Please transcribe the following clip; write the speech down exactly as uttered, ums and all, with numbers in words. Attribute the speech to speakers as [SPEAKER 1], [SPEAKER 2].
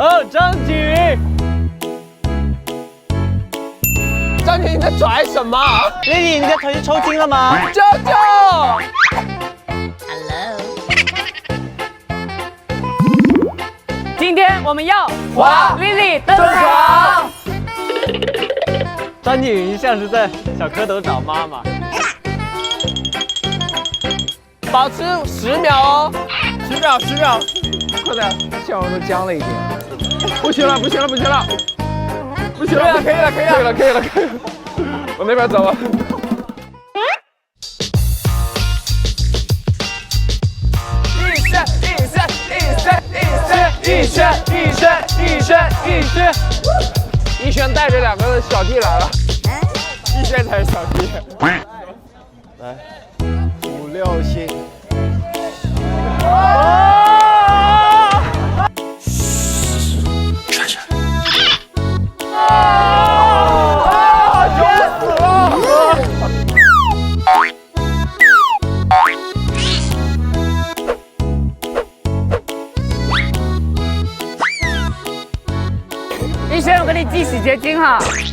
[SPEAKER 1] 二张景。
[SPEAKER 2] 张景，你在拽什么？
[SPEAKER 1] 丽丽，你的腿是抽筋了吗？
[SPEAKER 2] 舅舅。
[SPEAKER 3] Hello。
[SPEAKER 4] 今天我们要
[SPEAKER 2] 滑
[SPEAKER 4] 丽丽登
[SPEAKER 2] 登
[SPEAKER 4] 场。
[SPEAKER 2] 场。
[SPEAKER 1] 张景云像是在小蝌蚪找妈妈。
[SPEAKER 2] 保持十秒哦，
[SPEAKER 5] 十秒，十秒，快点，笑容都僵了一点。不行了，不行了，不行了，不行了，
[SPEAKER 2] 可以了，可以了，可以了，可以了，可以了。我那边走了。一身，一身，一身，一身，一身，一身，一身，一身。一轩带着两个小弟来了，一轩才是小弟。
[SPEAKER 1] 来，五六七。
[SPEAKER 4] 医生，我给你系洗洁精哈。